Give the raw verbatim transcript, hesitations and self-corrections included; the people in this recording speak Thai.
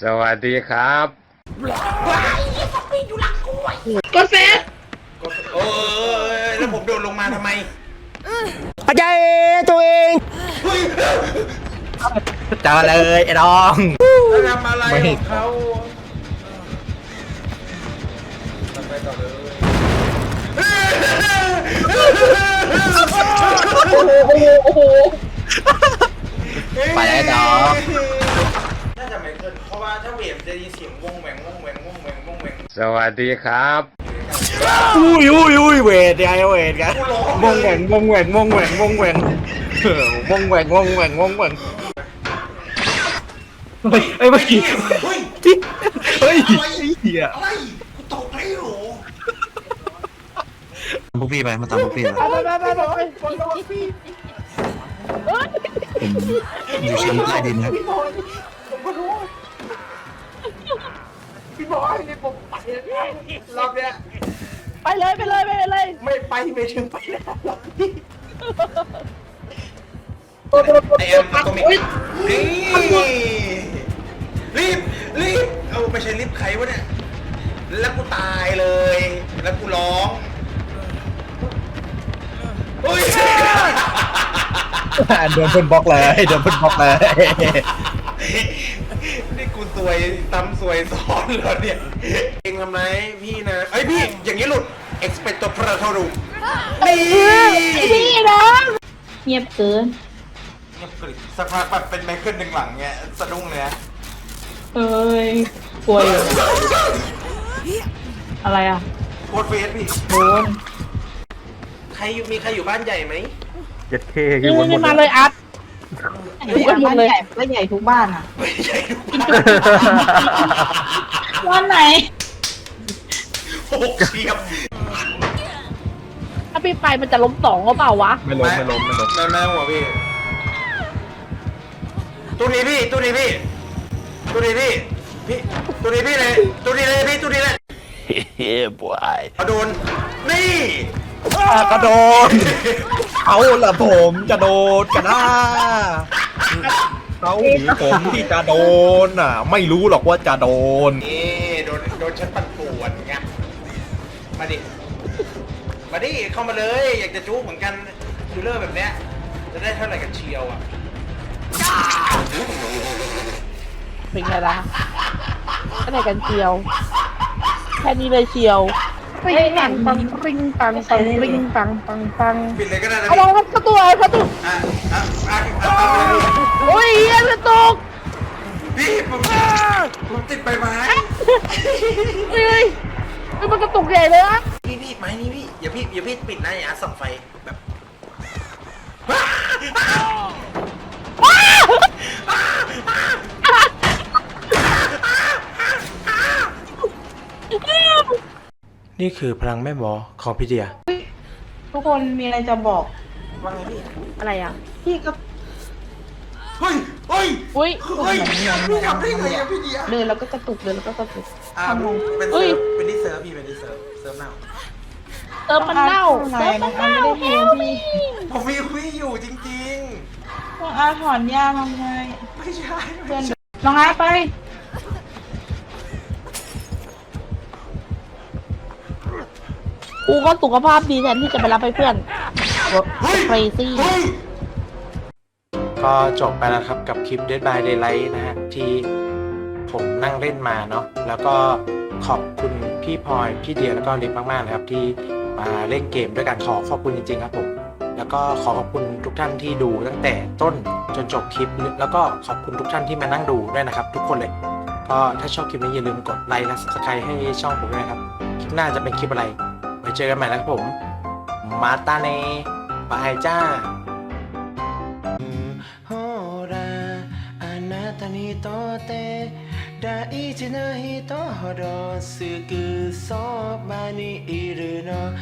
สวัสดีครับว้ายยี่ฟอกปี้อยู่หลังกูไอ้กดเฟสกดเออแล้วผมโดดลงมาทำไมอาจารย์ตัวเองเจอเลยไอ้น้องทำอะไรของเขาไปต่อเลยโอ้โหไปแล้วน้องน่าจะไม่เกินเพราะว่าถ้าเวฟจะยินเสียงวงแหวงวงแหวงวงแหวงวงแหวงสวัสดีครับอุ้ยอุ้ยอุ้ยเวทไงเวทกันวงแหว่งวงแหว่งวงแหว่งวงแหว่งวงแหว่งวงแหว่งวงแหว่งเฮ้ยเฮ้ยเมื่อกี้เฮ้ยเฮ้ยเหี้ยอะไรกูตกไปหรอพวกพี่ไปมาตามพวกพี่เลยไปไปไปไปไปผมอยู่ชั้นใต้ดินครับพี่บอยผมก็รู้พี่บอยนี่ผมไปแล้วรอบเนี้ยไปเลยไปเลยไปเลยไม่ไปไม่ถึงไปแล้วรอบนี้ไอแอมตัวมิกนี่รีบรีบเอาไปใช้ลิฟต์ใครวะเนี่ยแล้วกูตายเลยแล้วกูร้องโอ้ยโดนเพื่อนบล็อกเลยโดนเพื่อนบล็อกเลยนี่กูสวยตำสวยซ้อนเหรอเนี่ยเองทำไมพี่นะไอพี่อย่างนี้หลุด expecto patronum นี่พี่นะเงียบเกินเงียบกริบสักพักแบบเป็นไมเคิลหนึ่งหลังเงี้ยสะดุ้งเลยนะเอ้ยกลัวอยู่อะไรอ่ะโคตรเฟสพี่โดนใครมีใครอยู่บ้านใหญ่ไหมเจ็ดเคคือวนหมดมาเลยอัดทุกบ้านเลยก็ใหญ่ทุกบ้านอ่ะไม่ใช่ทุกบ้านบ้านไหนโอ้เชียบถ้าพี่ไปมันจะล้มสองก็เปล่าวะไม่ล้มไม่ล้มไม่ล้มแม่แม่หัวพี่ตัวนี้พี่ตัวนี้พี่ตัวนี้พี่พี่ตัวนี้พี่เลยตัวนี้เลยพี่ตัวนี้เลยเฮ้ยบอยโดนนี่กระโดดเอาละผมจะโดดกันนะเขาหนีผมที่จะโดนอ่ะไม่รู้หรอกว่าจะโดนนี่โดนโดนฉันปั่นป่วนไงมาดิมาดิเข้ามาเลยอยากจะจู๊เหมือนกันดูเลอร์แบบเนี้ยจะได้เท่าไหร่กันเชียวอ่ะเป็นไงล่ะเท่าไหร่กันเชียวแค่นี้เลยเชียวริงปังปังริงปังปังริงปังปังปังปิดเลยก็ได้นะเอาลองครับกระตัวกระตัวอ่ะอ่ะอ่ะอ่ะโอ้ยยังกระตกพี่ผมผมติดใบไม้เฮ้ยมันกระตุกใหญ่เลยอะพี่พี่ไม้นี่พี่อย่าพี่อย่าพี่ปิดนะอย่าส่องไฟแบบนี่คือพลังแม่หมอของพี่เดียทุกคนมีอะไรจะบอกว่าไงพี่อะไรอ่ะพี่ก็เฮ้ยเฮ้ยเฮ้ยเฮ้ยพี่ทำได้ไงอะพี่เดียเดินแล้วก็กระตุกเดินแล้วก็กระตุกอ่าเป็นเซิร์ฟเป็นดิเซิร์ฟพี่เป็นดิเซิร์ฟเซิร์ฟเน่าเติมมันเน่าเติมมันเน่าเฮลมี่ผมมีคุยอยู่จริงๆน้องอาถอนยาน้องไงไม่ใช่เพื่อนน้องอาไปกูก็สุขภาพดีแทนที่จะไปรับไปเพื่อนเฟรซี่ก็จบไปแล้วครับกับคลิป Dead by Daylight นะฮะที่ผมนั่งเล่นมาเนาะแล้วก็ขอบคุณพี่พลอยพี่เดียแล้วก็ลิฟมากๆนะครับที่มาเล่นเกมด้วยกันขอขอบคุณจริงๆครับผมแล้วก็ขอขอบคุณทุกท่านที่ดูตั้งแต่ต้นจนจบคลิปแล้วก็ขอบคุณทุกท่านที่มานั่งดูด้วยนะครับทุกคนเลยก็ถ้าชอบคลิปนี้อย่าลืมกดไลค์และ ซับสไครบ์ ให้ช่องผมด้วยนะครับคลิปหน้าจะเป็นคลิปอะไรไว้เจอกันใหม่นะครับผมมาตาเนบายจ้าโฮราあなたにとって大事な人ほどすぐそばにいるの